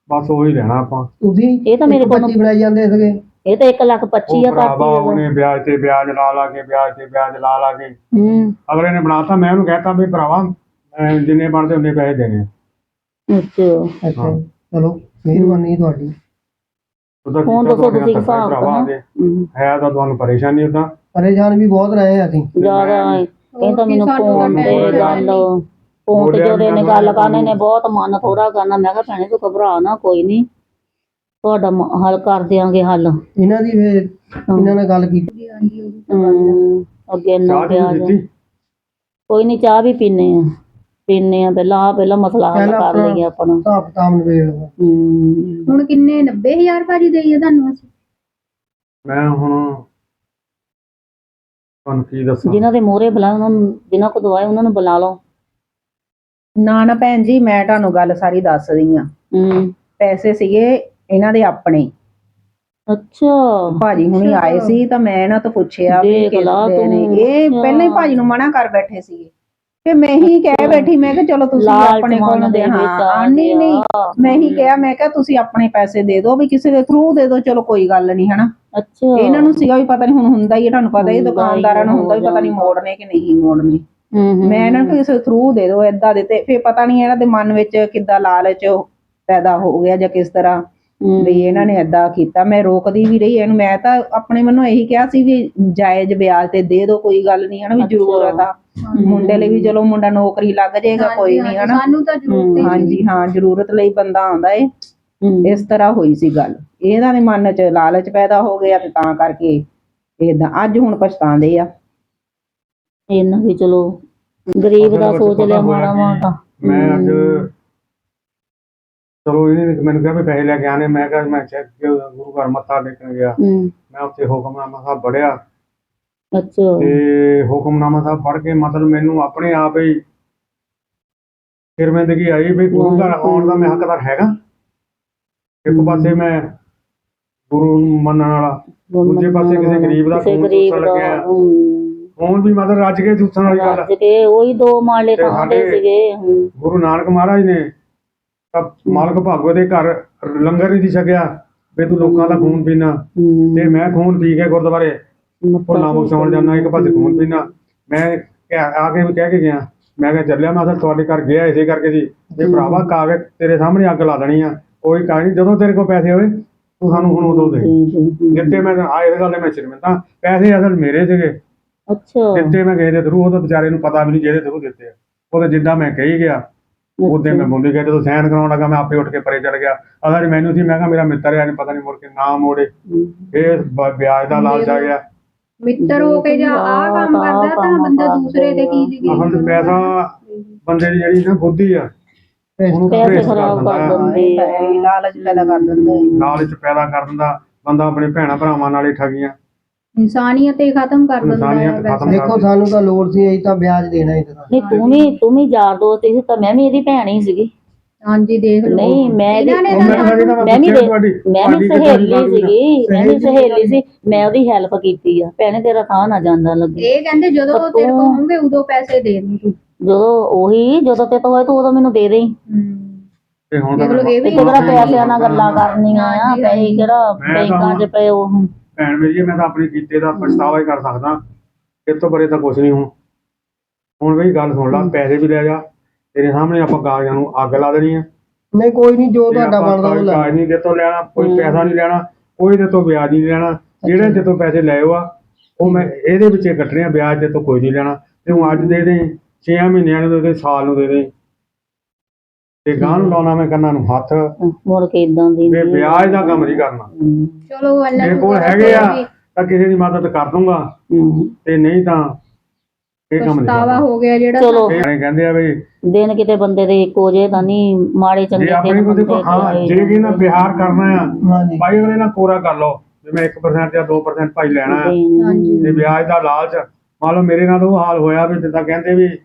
D: ਬਸ ਉਹੀ ਲੈਣਾ ਆਪਾਂ।
C: ਤੁਸੀਂ
B: ਇਹ ਤਾਂ ਮੇਰੇ
C: ਇੱਕ
B: ਕੋਲ-
C: ਪੱਚੀ ਬਣਾਈ ਜਾਂਦੇ ਸੀਗੇ।
B: ਇਹ ਤਾਂ ਇੱਕ ਲੱਖ ਪੱਚੀ
D: ਉਹ
B: ਆ
D: ਭਰਾਵਾ
B: ਪਾਤੀ
D: ਉਹਨੇ ਵਿਆਜ ਤੇ ਵਿਆਜ ਲਾ ਲਾ ਕੇ ਵਿਆਜ ਤੇ ਵਿਆਜ ਲਾ ਲਾ ਕੇ
B: ਹੂੰ
D: ਅਗਲੇ ਨੇ ਬਣਾਤਾ। ਮੈਂ ਉਹਨੂੰ ਕਹਿਤਾ ਵੀ ਭਰਾਵਾ ਅਹ ਜਿੰਨੇ ਬਣਦੇ ਉਨੇ ਪੈਸੇ ਦੇਣੇ ਆ।
B: ਅੱਛਾ
C: ਅੱਛਾ ਜੀ, ਚਲੋ ਮਿਹਰਬਾਨੀ ਤੁਹਾਡੀ।
D: ਉਹਦਾ
B: ਹੁਣ
D: ਕੀਤਾ
B: ਦੱਸੋ
D: ਤੁਹਾਡੇ
B: ਤੁਸੀਂ
D: ਹੱਥ
B: ਹਿਸਾਬ
D: ਭਰਾਵਾ
B: ਕਰਨਾ।
D: ਦੇ
B: ਹੂੰ।
D: ਹੈ ਤਾਂ ਤੁਹਾਨੂੰ ਪਰੇਸ਼ਾਨੀ ਉਦਾਂ।
C: ਪਰੇਸ਼ਾਨ ਵੀ ਬਹੁਤ ਰਹੇ ਹਾਂ ਅਸੀਂ।
B: ਜ਼ਿਆਦਾ ਇਹ ਤਾਂ ਮੈਨੂੰ
A: ਸਾਨੂੰ ਤਾਂ
B: ਫੋਨ ਤੇ
A: ਟੈਨਸ਼ਨ
B: ਗੱਲ
A: ਨਹੀਂ।
B: ਫੋਨ ਤੇ
D: ਬੋਲਿਆ
B: ਜਦੋਂ ਇਹਨੇ
D: ਨੀ
B: ਗੱਲ
D: ਨਾ
B: ਕਰਨੀ ਨੇ ਬਹੁਤ ਮਨ ਥੋੜਾ ਕਰਨਾ। ਮੈਂ ਕਿਹਾ ਭੈਣੇ ਤੂੰ ਘਬਰਾ ਨਾ, ਕੋਈ ਨਹੀਂ ਤੁਹਾਡਾ ਮ- ਹੱਲ ਕਰ ਦਿਆਂਗੇ ਹੱਲ।
C: ਇਹਨਾਂ ਦੀ ਫਿਰ ਇਹਨਾਂ ਨਾਲ ਗੱਲ ਕੀਤੀ।
B: ਹੂੰ ਅੱਗੇ ਨਾ
D: ਚਾਹ
B: ਪਿਆ
D: ਚੂਹ
B: ਜਾ।
D: ਦਿੱਤੀ?
B: ਕੋਈ ਨਹੀਂ ਚਾਹ ਵੀ ਪੀਨੇ ਆ ਪੀਨੇ ਆ ਪਹਿਲਾਂ ਆ ਪਹਿਲਾਂ ਮਸਲਾ ਹੱਲ
C: ਪਹਿਲਾਂ
B: ਕਰ
C: ਆਪਣਾ
B: ਲਈਏ ਆਪਣਾ।
C: ਹਿਸਾਬ ਕਿਤਾਬ ਨਿਬੇੜ ਲਓ।
B: ਹੂੰ
A: ਹੁਣ ਕਿੰਨੇ ਨੱਬੇ ਹਜ਼ਾਰ ਭਾਜੀ ਦੇਈਏ ਤੁਹਾਨੂੰ ਅਸੀਂ?
D: ਮੈਂ ਹੁਣ ਤੁਹਾਨੂੰ ਕੀ ਦੱਸਾਂ।
B: ਜਿਨ੍ਹਾਂ ਦੇ ਮੋਹਰੇ ਬੁਲਾ ਉਹਨਾਂ ਨੂੰ, ਜਿਨ੍ਹਾਂ ਕੋ ਦਵਾਏ ਉਹਨਾਂ ਨੂੰ ਬੁਲਾ ਲਓ।
F: ਨਾ ਨਾ ਭੈਣ ਜੀ, ਮੈਂ ਤੁਹਾਨੂੰ ਗੱਲ ਸਾਰੀ ਦੱਸਦੀ ਆ।
B: ਹੂੰ
F: ਪੈਸੇ ਸੀਗੇ ਇਹਨਾਂ ਦੇ ਆਪਣੇ।
B: ਅੱਛਾ
F: ਭਾਜੀ ਹੁਣੀ ਆਏ ਸੀ ਤਾਂ ਮੈਂ ਇਹਨਾਂ ਤੋਂ ਪੁੱਛਿਆ ਵੀ
B: ਦੇਖ
F: ਕਿਸ
B: ਲਾ
F: ਦੇ
B: ਤੂੰ।
F: ਨੇ। ਇਹ
B: ਅੱਛਾ।
F: ਪਹਿਲਾਂ ਹੀ ਭਾਜੀ ਨੂੰ ਮਨਾ ਕਰ ਬੈਠੇ ਸੀਗੇ ਤੇ ਮੈਂ ਹੀ ਕਹਿ ਬੈਠੀ, ਮੈਂ ਕਿਹਾ ਚਲੋ ਤੁਸੀਂ
B: ਲਾਲਚ
F: ਆਪਣੇ ਕੋਲ
B: ਮਨ
F: ਦੇ।
B: ਦੇ ਵਿੱਚ ਆ
F: ਹਾਂ ਨਹੀਂ ਨਹੀਂ
B: ਗਿਆ।
F: ਮੈਂ ਹੀ ਕਿਹਾ, ਮੈਂ ਕਿਹਾ ਤੁਸੀਂ ਆਪਣੇ ਪੈਸੇ ਦੇ ਦਿਓ ਵੀ ਕਿਸੇ ਦੇ ਥਰੂ ਦੇ ਦਿਓ, ਚਲੋ ਕੋਈ ਗੱਲ ਨਹੀਂ ਹਨਾ।
B: ਅੱਛਾ
F: ਇਹਨਾਂ ਨੂੰ ਸੀਗਾ ਵੀ ਪਤਾ ਨਹੀਂ ਹੁਣ ਹੁੰਦਾ ਹੀ ਹੈ, ਤੁਹਾਨੂੰ ਪਤਾ ਹੀ
B: ਹੁੰਦਾ ਹੀ
F: ਦੁਕਾਨਦਾਰਾਂ ਨੂੰ ਹੁੰਦਾ ਵੀ ਪਤਾ ਨਹੀਂ
B: ਹੋ
F: ਮੋੜਨੇ ਕਿ ਨਹੀਂ ਮੋੜਨੇ।
B: ਹੂੰ ਹੂੰ
F: ਮੈਂ ਇਹਨਾਂ ਨੂੰ ਕਿਸੇ ਥਰੂ ਦੇ ਦਿਓ ਏਦਾਂ ਦੇ, ਤੇ ਫਿਰ ਪਤਾ ਨਹੀਂ ਇਹਨਾਂ ਦੇ ਮਨ ਵਿੱਚ ਕਿੱਦਾਂ ਲਾਲਚ ਪੈਦਾ ਹੋ ਗਿਆ ਜਾਂ ਕਿਸ ਤਰ੍ਹਾਂ ਵੀ ਇਹਨਾਂ ਨੇ ਏਦਾਂ ਕੀਤਾ। ਮੈਂ ਰੋਕਦੀ ਵੀ ਰਹੀ ਇਹਨੂੰ। ਮੈਂ ਤਾਂ ਆਪਣੇ ਵੱਲੋਂ ਇਹੀ ਕਿਹਾ ਸੀ ਵੀ ਜਾਇਜ਼ ਵਿਆਜ ਤੇ ਦੇ ਦਿਓ, ਕੋਈ ਗੱਲ ਨਹੀਂ ਹਨਾ, ਵੀ ਜ਼ਰੂਰਤ ਆ ਮੁੰਡੇ ਲਈ ਵੀ। ਚਲੋ ਮੁੰਡਾ ਨੌਕਰੀ ਲੱਗ ਜਾਏਗਾ, ਕੋਈ ਨਹੀਂ ਹਨਾ।
A: ਸਾਨੂੰ ਤਾਂ ਜ਼ਰੂਰਤ ਹੀ ਨਹੀਂ।
F: ਹਾਂਜੀ ਹਾਂ, ਜ਼ਰੂਰਤ ਲਈ ਬੰਦਾ ਆਉਂਦਾ ਏ।
B: ਹੂੰ।
F: ਇਸ ਤਰ੍ਹਾਂ ਹੋਈ ਸੀ ਗੱਲ। ਇਹਨਾਂ ਦੇ ਮਨ 'ਚ ਲਾਲਚ ਪੈਦਾ ਹੋ ਗਿਆ ਤੇ ਤਾਂ ਕਰਕੇ ਏਦਾਂ ਅੱਜ ਹੁਣ ਪਛਤਾਉਂਦੇ ਆ।
B: ਇਹਨਾਂ ਵੀ ਚਲੋ ਗਰੀਬ ਦਾ
D: ਅਸਲ ਵਿੱਚ
B: ਸੋਚ
D: ਪਤਾ
B: ਲਿਆ
D: ਹੋਇਆ
B: ਮਾੜਾ
D: ਕੀ,
B: ਮਾੜਾ।
D: ਮੈਂ ਅੱਜ ਚਲੋ ਇਹਨੇ ਮੈਨੂੰ ਕਿਹਾ ਵੀ ਪੈਸੇ ਲੈ ਕੇ ਆਣੇ। ਮੈਂ ਕਿਹਾ ਮੈਂ ਚੈੱਕ ਗੁਰੂ ਘਰ ਮੱਥਾ ਟੇਕਣ ਗਿਆ।
B: ਹੂੰ
D: ਮੈਂ ਉੱਥੇ ਹੁਕਮਨਾਮਾ ਸਾਹਿਬ ਪੜ੍ਹਿਆ
B: ਅੱਛਾ
D: ਤੇ ਹੁਕਮਨਾਮਾ ਸਾਹਿਬ ਪੜ੍ਹ ਕੇ ਮਤਲਬ ਮੈਨੂੰ ਆਪਣੇ ਆਪ ਹੀ ਸ਼ਰਮਿੰਦਗੀ ਆਈ ਵੀ ਗੁਰੂ ਘਰ ਆਉਣ ਦਾ ਮੈਂ ਹੱਕਦਾਰ ਹੈਗਾ। ਇੱਕ ਪਾਸੇ ਮੈਂ ਗੁਰੂ ਨੂੰ ਮੰਨਣ ਵਾਲਾ, ਦੂਜੇ ਪਾਸੇ ਕਿਸੇ ਗਰੀਬ ਦਾ
B: ਕਿਸੇ
D: ਖੂਨ
B: ਗਰੀਬ
D: ਚੂਸਣ
B: ਦਾ
D: ਲੱਗਿਆ।
B: ਹੂੰ
D: ਹੁਣ ਵੀ ਮਤਲਬ ਰੱਜ ਕੇ ਚੂਸਣ ਵਾਲੀ ਗੱਲ।
B: ਰੱਜ ਕੇ ਉਹੀ ਦੋ ਮਾਲੇ
D: ਤੇ
B: ਖਾਂਦੇ
D: ਸਾਡੇ
B: ਸੀਗੇ। ਹੂੰ
D: ਗੁਰੂ ਨਾਨਕ ਮਹਾਰਾਜ ਨੇ ਤਾਂ ਮਾਲਕ ਭਾਗੋ ਦੇ ਘਰ ਲੰਗਰ ਹੀ ਨਹੀਂ ਛਕਿਆ ਵੀ ਤੂੰ ਲੋਕਾਂ ਦਾ ਖੂਨ ਪੀਣਾ।
B: ਹੂੰ
D: ਤੇ ਮੈਂ ਖੂਨ ਪੀ ਕੇ ਗੁਰਦੁਆਰੇ ਭੋਲਾ ਬਖਸ਼ਾਉਣ ਜਾਂਦਾ, ਇੱਕ ਪਾਸੇ ਖੂਨ ਪੀਣਾ। ਮੈਂ ਕਿਹਾ- ਆ ਕੇ ਵੀ ਕਹਿ ਕੇ ਗਿਆ, ਮੈਂ ਕਿਹਾ ਚੱਲਿਆ ਮੈਂ ਤਾਂ ਤੁਹਾਡੇ ਘਰ ਗਿਆ ਇਸੇ ਕਰਕੇ ਸੀ ਵੀ ਭਰਾਵਾ ਕਾਗਜ਼ ਤੇਰੇ ਸਾਹਮਣੇ ਅੱਗ ਲਾ ਦੇਣੀ ਆ। ਕੋਈ ਕਾਗਜ਼ ਨਹੀਂ, ਜਦੋਂ ਤੇਰੇ ਕੋਲ ਪੈਸੇ ਹੋਏ ਤੂੰ ਸਾਨੂੰ ਹੁਣ ਉਦੋਂ ਦੇ ਦਿੱਤੇ। ਮੈਂ ਆ ਇਸ ਗੱਲ ਦੇ ਮੈਂ ਸ਼ਰਮਿੰਦਾ। ਪੈਸੇ ਅਸਲ ਮੇਰੇ ਸੀਗੇ,
B: ਅੱਛਾ
D: ਦਿੱਤੇ ਮੈਂ ਕਿਸੇ ਦੇ ਥਰੂ। ਉਹ ਤਾਂ ਵਿਚਾਰੇ ਨੂੰ ਪਤਾ ਵੀ ਨਹੀਂ ਜਿਹਦੇ ਥਰੂ ਦਿੱਤੇ ਆ। ਉਹਦੇ ਜਿੱਦਾਂ ਮੈਂ ਕਹੀ ਗਿਆ ਉਦੋਂ ਮੈਂ ਬੋਲੀ ਗਿਆ। ਜਦੋਂ ਸਾਈਨ ਕਰਾਉਣ ਲੱਗਾ ਮੈਂ ਆਪੇ ਉੱਠ ਕੇ ਪਰੇ ਚੜ ਗਿਆ। ਅਸਲ ਮੈਨੂੰ ਸੀ ਮੈਂ ਕਿਹਾ ਮੇਰਾ ਮਿੱਤਰ ਆ, ਪਤਾ ਨਹੀਂ ਮੁੜ ਕੇ ਨਾ ਮੋੜੇ। ਇਹ ਬ- ਵਿਆਜ ਦਾ ਲਾਲਚ ਆ ਗਿਆ।
A: ਮਿੱਤਰ ਹੋ ਕੇ ਜਾਂ ਆਹ ਕੰਮ ਕਰਦਾ ਤਾਂ ਬੰਦਾ ਦੂਸਰੇ ਤੇ ਕੀ ਲਿਖੇ।
D: ਅਸਲ 'ਚ ਪੈਸਾ ਬੰਦੇ ਦੀ ਜਿਹੜੀ ਨਾ ਬੁੱਧੀ ਆ ਉਹਨੂੰ
B: ਪੈਸੇ
D: ਭ੍ਰਿਸ਼ਟ
B: ਖਰਾਬ ਕਰ
D: ਦਿੰਦਾ।
B: ਦਿੰਦੇ ਆ।
F: ਇਹ ਲਾਲਚ ਪੈਦਾ ਕਰ ਦਿੰਦਾ ਹੈ।
D: ਲਾਲਚ ਪੈਦਾ ਕਰ ਦਿੰਦਾ ਬੰਦਾ। ਆਪਣੇ ਭੈਣਾਂ ਭਰਾਵਾਂ ਨਾਲ ਹੀ ਠੱਗੀਆਂ,
A: ਇਨਸਾਨੀਅਤ ਹੀ ਖਤਮ ਕਰ ਦਿੰਦਾ ਹੈ
D: ਇਨਸਾਨੀਅਤ ਖਤਮ
A: ਵੈਸੇ।
C: ਦੇਖੋ ਸਾਨੂੰ ਤਾਂ ਲੋੜ ਸੀ, ਅਸੀਂ ਤਾਂ ਵਿਆਜ ਦੇਣਾ ਹੀ ਦੇਣਾ।
B: ਨਹੀਂ ਤੂੰ ਵੀ ਤੂੰ ਵੀ ਯਾਰ ਦੋਸਤ ਸੀ ਤਾਂ ਮੈਂ ਵੀ ਇਹਦੀ ਭੈਣ ਹੀ ਸੀਗੀ।
A: ਹਾਂਜੀ ਦੇਖ ਲਓ।
B: ਨਹੀਂ ਮੈਂ ਇਹਦੀ
A: ਇਹਨਾਂ ਨੇ
D: ਉਹ ਮੈਂ ਕਹਿੰਦਾ ਮੈਂ
B: ਮੈਂ ਵੀ
D: ਪੁੱਛਿਆ
B: ਦੇ-
D: ਤੁਹਾਡੀ
B: ਮੈਂ ਵੀ
D: ਤੁਹਾਡੀ ਕਿੱਦਾਂ
B: ਸਹੇਲੀ
D: ਗੱਲ ਹੋਈ?
B: ਸੀਗੀ ਮੈਂ ਵੀ
C: ਸਹੇਲੀ
B: ਸਹੇਲੀ ਸੀ। ਮੈਂ ਉਹਦੀ ਹੈਲਪ ਕੀਤੀ ਆ। ਭੈਣੇ ਤੇਰਾ ਥਾਂ ਨਾ ਜਾਂਦਾ ਲੱਗੇ।
A: ਇਹ ਕਹਿੰਦੇ ਜਦੋਂ
B: ਪਰ
A: ਤੇਰੇ ਕੋਲ
B: ਤੂੰ-
A: ਹੋਣਗੇ ਉਦੋਂ ਪੈਸੇ ਦੇ ਦੇ ਤੂੰ।
B: ਜਦੋਂ ਉਹੀ ਜਦੋਂ ਤੇ ਤੋਂ ਹੋਏ ਤੂੰ ਉਦੋਂ ਮੈਨੂੰ ਦੇ ਦੇਈ।
D: ਤੇ ਹੁਣ
A: ਦੇਖ ਲਓ, ਇਹ ਵੀ
B: ਤੇ ਕਿਹੜਾ ਪੈਸਿਆਂ ਨਾਲ ਗੱਲਾਂ ਕਰਨੀਆਂ ਆ।
A: ਹਾਂਜੀ,
B: ਪੈਸੇ ਕਿਹੜਾ
D: ਮੈਂ
B: ਬੈਂਕਾਂ 'ਚ
D: ਤਾਂ-
B: ਪਏ ਉਹ।
D: ਭੈਣ ਮੇਰੀ ਮੈਂ ਤਾਂ ਆਪਣੇ ਕੀਤੇ ਦਾ ਪਛਤਾਵਾ ਹੀ ਕਰ ਸਕਦਾ। ਇਸ ਤੋਂ ਬੜੇ ਤਾਂ ਕੁਛ ਨਹੀਂ। ਹੁਣ ਹੁਣ ਵੀ ਗੱਲ ਸੁਣ ਲਾ, ਪੈਸੇ ਵੀ ਲੈ ਜਾ, ਤੇਰੇ ਸਾਹਮਣੇ ਆਪਾਂ ਕਾਗਜ਼ਾਂ ਨੂੰ ਅੱਗ ਲਾ ਦੇਣੀ ਆ।
C: ਨਹੀਂ ਕੋਈ ਨਹੀਂ, ਜੋ
D: ਤੇ
C: ਤੁਹਾਡਾ
D: ਆਪਾਂ
C: ਬਣਦਾ ਉਹ ਲੈ
D: ਕਾਗਜ਼ ਨਹੀਂ ਦੇ ਤੋਂ ਲੈਣਾ, ਕੋਈ
B: ਹੂੰ।
D: ਪੈਸਾ ਨਹੀਂ ਲੈਣਾ, ਕੋਈ ਦੇ ਤੋਂ ਵਿਆਜ ਨਹੀਂ ਲੈਣਾ। ਜਿਹੜੇ ਦੇ ਤੋਂ ਪੈਸੇ ਲਏ ਆ ਉਹ ਮੈਂ ਇਹਦੇ ਵਿੱਚ ਹੀ ਕੱਟਣੇ ਆ, ਵਿਆਜ ਦੇ ਤੋਂ ਕੋਈ ਨਹੀਂ ਲੈਣਾ। ਤੇ ਹੁਣ ਅੱਜ ਦੇ ਦੇ, ਛੇ ਮਹੀਨਿਆਂ ਨੂੰ ਦੇ ਦੇ, ਸਾਲ ਨੂੰ ਦੇ ਦੇ, ਤੇ ਗਾਂ ਨੂੰ ਲਾਉਣਾ ਮੈਂ ਕੰਨਾਂ ਨੂੰ ਹੱਥ।
B: ਮੁੜ ਕੇ ਇਦਾਂ ਦੀ
D: ਤੇ ਵਿਆਜ ਦਾ ਕੰਮ ਨਹੀਂ ਕਰਨਾ।
B: ਹੂੰ,
A: ਚਲੋ ਅੱਲਾ
D: ਮੇਰੇ ਕੋਲ ਹੈਗੇ ਆ ਤਾਂ ਕਿਸੇ ਦੀ ਮਦਦ ਕਰ ਦੂੰਗਾ,
B: ਹੂੰ।
D: ਤੇ ਨਹੀਂ ਤਾਂ ਇਹ ਕੰਮ ਨਹੀਂ
A: ਪਛਤਾਵਾ
D: ਕਰਨਾ।
A: ਹੋ ਗਿਆ ਜਿਹੜਾ।
B: ਚਲੋ
D: ਇਹ ਕਹਿੰਦੇ ਆ ਵੀ
B: ਦਿਨ ਕਿਤੇ ਬੰਦੇ ਦੇ ਇੱਕੋ ਜਿਹੇ ਤਾਂ ਨਹੀਂ, ਮਾੜੇ ਚੰਗੇ
D: ਜੇ ਆਪਣੇ
B: ਦਿਨ
D: ਕੋਲ ਦੇਖੋ,
B: ਬੰਦੇ
D: ਹਾਂ
B: ਦੇ
D: ਜੇ ਕਿ ਨਾ ਵਿਹਾਰ ਕਰਨਾ ਆ
C: ਹਾਂਜੀ।
D: ਭਾਈ ਅਗਲੇ ਨਾਲ ਪੂਰਾ ਕਰ ਲਓ। ਜਿਵੇਂ ਇੱਕ ਪਰਸੈਂਟ ਜਾਂ ਦੋ ਪਰਸੈਂਟ ਭਾਈ ਲੈਣਾ ਆ,
A: ਹਾਂਜੀ।
D: ਤੇ ਵਿਆਜ ਦਾ ਲਾਲਚ। ਮੰਨ ਲਓ ਮੇਰੇ ਨਾਲ ਉਹ ਹਾਲ ਹੋਇਆ ਵੀ ਜਿੱਦਾਂ ਕਹਿੰਦੇ ਵੀ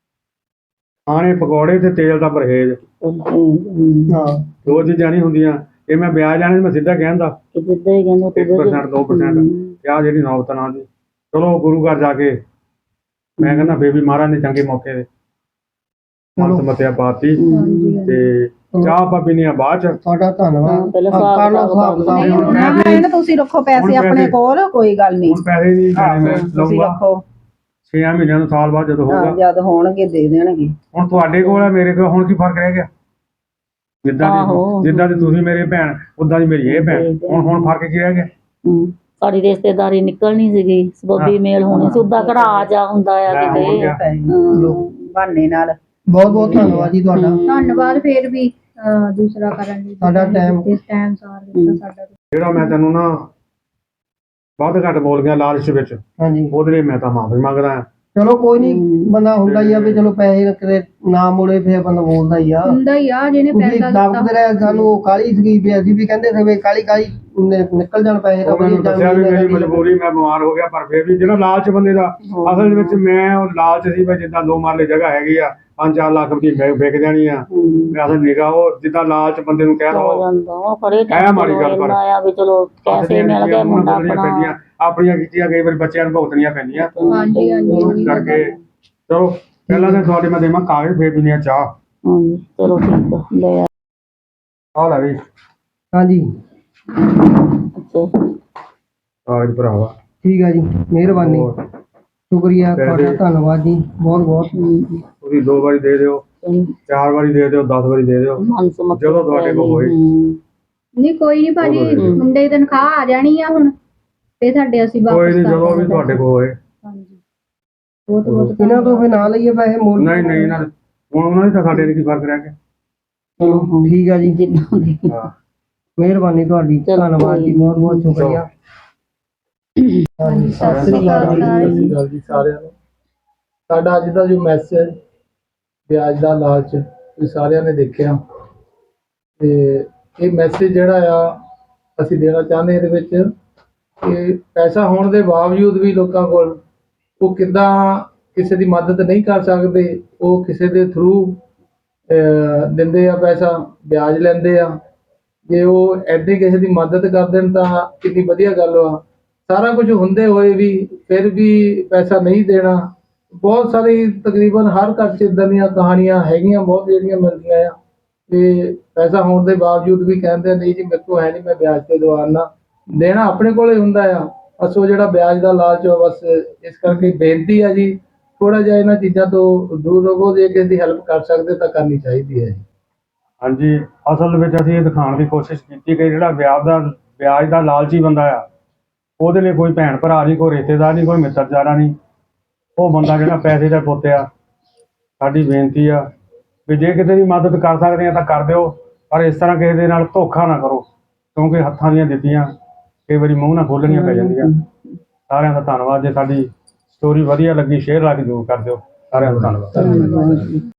D: ਖਾਣੇ ਪਕੌੜੇ ਤੇ ਤੇਲ ਦਾ ਪਰਹੇਜ਼,
C: ਹਾਂ
D: ਦੋ ਚੀਜ਼ਾਂ ਨਹੀਂ ਹੁੰਦੀਆਂ। ਇਹ ਮੈਂ ਵਿਆਜ ਲੈਣਾ ਮੈਂ ਸਿੱਧਾ ਕਹਿੰਦਾ
B: ਜਿੱਦਾਂ ਹੀ ਕਹਿੰਦਾ
D: ਇੱਕ ਪਰਸੈਂਟ ਦੋ ਪਰਸੈਂਟ ਆ ਜਿਹੜੀ ਨੌਬਤ ਨਾ ਦੀ। ਚਲੋ ਗੁਰੂ ਘਰ ਜਾ ਕੇ ਮੈਂ ਕਹਿੰਦਾ ਬੇਬੀ ਮਹਾਰਾਜ ਨੇ ਚੰਗੇ ਮੌਕੇ ਦੇ ਮਨਸ ਮਤਿਆ ਪਾਤੀ
A: ਹਾਂਜੀ ਹਾਂਜੀ।
D: ਤੇ ਚਾਹ ਆਪਾਂ ਪੀਣੀ ਆ ਬਾਅਦ ਚ।
C: ਤੁਹਾਡਾ ਧੰਨਵਾਦ।
B: ਹਾਂ, ਪਹਿਲਾਂ
C: ਆਹ, ਕਰ ਲਓ
B: ਹਿਸਾਬ
C: ਹਿਸਾਬ
A: ਨਹੀਂ,
C: ਕਿਤਾਬ।
F: ਨਾ ਨਾ ਤੁਸੀਂ ਰੱਖੋ ਪੈਸੇ
D: ਹੁਣ
F: ਆਪਣੇ
D: ਪੈਸੇ-
F: ਕੋਲ, ਕੋਈ ਗੱਲ ਨਹੀਂ।
D: ਹੁਣ ਪੈਸੇ ਨਹੀਂ ਦੇਣੇ ਮੈਂ
F: ਤੁਸੀਂ
D: ਲਊਂਗਾ
F: ਰੱਖੋ,
D: ਛੇ ਮਹੀਨਿਆਂ ਨੂੰ ਸਾਲ ਬਾਅਦ ਜਦੋਂ
F: ਹਾਂ,
D: ਹੋਊਗਾ।
F: ਜਦ ਹੋਣਗੇ ਦੇ ਦੇਣਗੇ।
D: ਹੁਣ ਤੁਹਾਡੇ ਕੋਲ ਹੈ ਮੇਰੇ ਕੋਲ, ਹੁਣ ਕੀ ਫਰਕ ਰਹਿ ਗਿਆ? ਜਿੱਦਾਂ
B: ਆਹੋ।
D: ਦੀ ਜਿੱਦਾਂ ਦੀ ਤੁਸੀਂ ਮੇਰੇ ਭੈਣ ਉਦਾਂ ਦੀ ਮੇਰੀ ਇਹ ਭੈਣ, ਹੁਣ ਹੁਣ ਫਰਕ ਕੀ ਰਹਿ ਗਿਆ?
B: ਹਮ, ਸਾਡੀ ਰਿਸ਼ਤੇਦਾਰੀ ਨਿਕਲਣੀ ਸੀਗੀ, ਸਬੱਬੀ ਮੇਲ ਹੋਣੀ ਸੀ, ਉਦਾਂ ਕਿਹੜਾ ਆ ਜਾ ਹੁੰਦਾ ਆ
D: ਲੈ,
B: ਕਿਤੇ।
D: ਹੋ ਗਿਆ।
B: ਹਾਂ।
F: ਬਹਾਨੇ ਨਾਲ
C: ਬਹੁਤ ਬਹੁਤ ਧੰਨਵਾਦ ਜੀ ਤੁਹਾਡਾ।
A: ਧੰਨਵਾਦ ਫੇਰ ਵੀ ਅਹ, ਦੂਸਰਾ ਕਰਨ ਲਈ
C: ਸਾਡਾ time-
A: ਇਸ ਟਾਈਮ ਸਾਰ ਦਿੱਤਾ ਸਾਡਾ।
D: ਜਿਹੜਾ ਮੈਂ ਤੈਨੂੰ ਨਾ ਵੱਧ ਘੱਟ ਬੋਲ ਗਿਆ ਲਾਲਚ ਵਿੱਚ,
C: ਹਾਂਜੀ
D: ਉਹਦੇ ਲਈ ਮੈਂ ਤਾਂ ਮਾਫੀ ਮੰਗਦਾ ਹਾਂ।
C: ਚਲੋ ਕੋਈ ਨਹੀਂ, ਬੰਦਾ ਹੁੰਦਾ ਹੀ ਆ ਵੀ ਚਲੋ ਪੈਸੇ ਕਿਤੇ ਨਾ ਮੁੜੇ ਫਿਰ ਬੰਦਾ ਬੋਲਦਾ ਹੀ ਆ।
A: ਹੁੰਦਾ ਹੀ ਆ ਜਿਹਨੇ
C: ਤੁਸੀਂ
A: ਪੈਸਾ ਦਿੱਤਾ।
C: ਦੱਬਦੇ ਰਹੇ ਸਾਨੂੰ, ਉਹ ਕਾਲੀ ਸੀਗੀ ਵੀ ਅਸੀਂ ਵੀ ਕਹਿੰਦੇ ਸੀ ਵੀ ਕਾਲੀ ਕਾਲੀ ਨਿ- ਨਿਕਲ ਜਾਣ ਪੈਸੇ ਤਾਂ
D: ਉਹ ਮੈਨੂੰ
C: ਵਧੀਆ
D: ਦੱਸਿਆ ਵੀ
C: ਜਾਣ
D: ਮੇਰੀ ਮਜਬੂਰੀ, ਮੈਂ ਬਿਮਾਰ ਹੋ ਗਿਆ, ਪਰ ਫਿਰ ਵੀ ਜਿਹੜਾ ਲਾਲਚ ਬੰਦੇ ਦਾ ਅਸਲ ਦੇ ਵਿੱਚ, ਮੈਂ ਉਹ ਲਾਲਚ ਸੀ ਵੀ ਜਿੱਦਾਂ ਦੋ ਮਰਲੇ ਜਗ੍ਹਾ ਹੈਗੀ ਆ, ਪੰਜ ਚਾਰ ਲੱਖ ਰੁਪਏ ਵਿਕ ਵਿਕ ਜਾਣੀ ਆ, ਮੈਂ ਅਸਲ ਨਿਗਾਹ ਉਹ ਜਿੱਦਾਂ ਲਾਲਚ ਬੰਦੇ ਨੂੰ ਕਹਿ
B: ਹੋ
D: ਦੋ
B: ਜਾਂਦਾ ਉਹ ਫੜੇ
D: ਇਹ ਮਾੜੀ ਗੱਲ ਪਰ।
B: ਆ ਵੀ ਚਲੋ ਪੈਸੇ ਮਿਲ ਗਏ, ਮੁੰਡਾ ਆਪਣਾ।
D: ਆਪਣੀਆਂ ਕੀਤੀਆਂ ਕਈ ਵਾਰੀ ਬੱਚਿਆਂ ਨੂੰ ਭੁਗਤਣੀਆਂ ਪੈਂਦੀਆਂ
A: ਹਾਂਜੀ ਹਾਂਜੀ
D: ਇਸ
A: ਉਹੀ ਗੱਲ
D: ਕਰਕੇ।
A: ਆ।
D: ਚਲੋ ਪਹਿਲਾਂ ਤਾਂ ਤੁਹਾਡੇ ਮੈਂ ਦੇਵਾਂ ਕਾਗਜ਼, ਫੇਰ ਪੀਣੀ ਆ ਚਾਹ।
B: ਹਾਂਜੀ ਚਲੋ ਠੀਕ ਆ, ਲੈ ਆ।
D: ਆ ਲੈ ਵੀ
C: ਹਾਂਜੀ
B: ਅੱਛਾ
D: ਕਾਗਜ਼ ਭਰਾਵਾ।
C: ਠੀਕ ਹੈ ਜੀ, ਮਿਹਰਬਾਨੀ,
D: ਹੋਰ
C: ਸ਼ੁਕਰੀਆ ਤੁਹਾਡਾ,
D: ਪੈਸੇ-
C: ਧੰਨਵਾਦ ਜੀ ਬਹੁਤ ਬਹੁਤ।
D: ਤੁਸੀਂ ਦੋ ਵਾਰੀ ਦੇ ਦਿਓ, ਚਾਰ ਵਾਰੀ ਦੇ ਦਿਓ, ਦਸ ਵਾਰੀ ਦੇ ਦਿਓ, ਜਦੋਂ ਤੁਹਾਡੇ ਕੋਲ ਹੋਏ।
A: ਨਹੀਂ ਕੋਈ ਨਹੀਂ ਭਾਜੀ,
D: ਹਮ।
A: ਮੁੰਡੇ ਦੀ ਤਨਖਾਹ ਆ ਜਾਣੀ ਆ ਹੁਣ, ਤੇ ਸਾਡੇ ਅਸੀਂ ਵਾਪਸ
D: ਕੋਈ ਨਹੀਂ,
A: ਕਰ
D: ਜਦੋਂ ਵੀ
A: ਦਾਂਗੇ
D: ਤੁਹਾਡੇ ਕੋਲ ਹੋਏ।
A: ਹਾਂਜੀ ਬਹੁਤ ਬਹੁਤ
C: ਇਹਨਾਂ ਤੋਂ ਫਿਰ ਨਾ ਲਈਏ ਪੈਸੇ ਮੋੜ।
D: ਨਹੀਂ ਨਹੀਂ, ਇਹਨਾਂ ਦੇ- ਹੁਣ ਉਹਨਾਂ ਦੀ ਤਾਂ ਸਾਡੇ ਦੀ ਕੀ ਫਰਕ ਰਹਿ ਗਿਆ?
C: ਚਲੋ ਠੀਕ ਹੈ ਜੀ,
B: ਜਿੱਦਾਂ ਦੀ
D: ਹਾਂ
C: ਮਿਹਰਬਾਨੀ ਤੁਹਾਡੀ,
B: ਚਲੋ
C: ਧੰਨਵਾਦ ਜੀ, ਬਹੁਤ ਬਹੁਤ ਸ਼ੁਕਰੀਆ। ਹਾਂਜੀ,
A: ਸਤਿ ਸ੍ਰੀ ਅਕਾਲ
G: ਸਤਿ ਸ਼੍ਰੀ ਅਕਾਲ ਜੀ ਸਾਰਿਆਂ ਨੂੰ। ਸਾਡਾ ਅੱਜ ਦਾ ਜੋ ਮੈਸੇਜ, ਵਿਆਜ ਦਾ ਲਾਲਚ, ਤੁਸੀਂ ਸਾਰਿਆਂ ਨੇ ਦੇਖਿਆ, ਤੇ ਇਹ ਮੈਸੇਜ ਜਿਹੜਾ ਆ ਅਸੀਂ ਦੇਣਾ ਚਾਹੁੰਦੇ ਇਹਦੇ ਵਿੱਚ ਕਿ ਪੈਸਾ ਹੋਣ ਦੇ ਬਾਵਜੂਦ ਵੀ ਲੋਕਾਂ ਕੋਲ ਉਹ ਕਿੱਦਾਂ ਕਿਸੇ ਦੀ ਮਦਦ ਨਹੀਂ ਕਰ ਸਕਦੇ, ਉਹ ਕਿਸੇ ਦੇ ਥਰੂ ਦਿੰਦੇ ਆ ਪੈਸਾ, ਵਿਆਜ ਲੈਂਦੇ ਆ। ਜੇ ਉਹ ਐਡੀ ਕਿਸੇ ਦੀ ਮਦਦ ਕਰ ਦੇਣ ਤਾਂ ਕਿੰਨੀ ਵਧੀਆ ਗੱਲ ਆ। ਸਾਰਾ ਕੁਝ ਹੁੰਦੇ ਹੋਏ ਵੀ ਫਿਰ ਵੀ ਪੈਸਾ ਨਹੀਂ ਦੇਣਾ, ਬਹੁਤ ਸਾਰੀ ਤਕਰੀਬਨ ਹਰ ਘਰ 'ਚ ਇੱਦਾਂ ਦੀਆਂ ਕਹਾਣੀਆਂ ਹੈਗੀਆਂ, ਬਹੁਤ ਜਿਹੜੀਆਂ ਮਿਲਦੀਆਂ ਆ। ਤੇ ਪੈਸਾ ਹੋਣ ਦੇ ਬਾਵਜੂਦ ਵੀ ਕਹਿੰਦੇ ਨਹੀਂ ਜੀ ਮੇਰੇ ਕੋਲ ਹੈ ਨਹੀਂ, ਮੈਂ ਵਿਆਜ ਤੇ ਦਵਾਨਾ। ਦੇਣਾ ਆਪਣੇ ਕੋਲ ਹੀ ਹੁੰਦਾ ਆ, ਬਸ ਉਹ ਜਿਹੜਾ ਵਿਆਜ ਦਾ ਲਾਲਚ ਆ, ਬਸ ਇਸ ਕਰਕੇ ਬੇਨਤੀ ਆ ਜੀ, ਥੋੜਾ ਜਿਹਾ ਇਹਨਾਂ ਚੀਜ਼ਾਂ ਤੋਂ ਦੂਰ ਰਹੋ। ਜੇ ਕਿਸੇ ਦੀ ਹੈਲਪ ਕਰ ਸਕਦੇ ਤਾਂ ਕਰਨੀ ਚਾਹੀਦੀ ਹੈ ਜੀ।
D: ਹਾਂਜੀ, ਅਸਲ ਵਿੱਚ ਅਸੀਂ ਇਹ ਦਿਖਾਉਣ ਦੀ ਕੋਸ਼ਿਸ਼ ਕੀਤੀ ਕਿ ਜਿਹੜਾ ਵਿਆਜ ਦਾ ਵਿਆਜ ਦਾ ਲਾਲਚੀ ਬੰਦਾ ਆ, ਉਹਦੇ ਲਈ ਕੋਈ ਭੈਣ ਭਰਾ ਨਹੀਂ, ਕੋਈ ਰਿਸ਼ਤੇਦਾਰ ਨਹੀਂ, ਕੋਈ ਮਿੱਤਰਜਾਰਾ ਨਹੀਂ। ਉਹ ਬੰਦਾ ਜਿਹੜਾ ਪੈਸੇ ਦਾ ਪੁੱਤ ਆ। ਸਾਡੀ ਬੇਨਤੀ ਆ ਵੀ ਜੇ ਕਿਸੇ ਦੀ ਮਦਦ ਕਰ ਸਕਦੇ ਆ ਤਾਂ ਕਰ ਦਿਓ, ਪਰ ਇਸ ਤਰ੍ਹਾਂ ਕਿਸੇ ਦੇ ਨਾਲ ਧੋਖਾ ਨਾ ਕਰੋ, ਕਿਉਂਕਿ ਹੱਥਾਂ ਦੀਆਂ ਦਿੱਤੀਆਂ ਕਈ ਵਾਰੀ ਮੂੰਹ ਨਾਲ ਖੋਲਣੀਆਂ ਪੈ ਜਾਂਦੀਆਂ। ਸਾਰਿਆਂ ਦਾ ਧੰਨਵਾਦ। ਜੇ ਸਾਡੀ ਸਟੋਰੀ ਵਧੀਆ ਲੱਗੀ, ਸ਼ੇਅਰ ਲਾ ਕੇ ਜ਼ਰੂਰ ਕਰ ਦਿਓ। ਸਾਰਿਆਂ ਦਾ ਧੰਨਵਾਦ।
B: ਧੰਨਵਾਦ।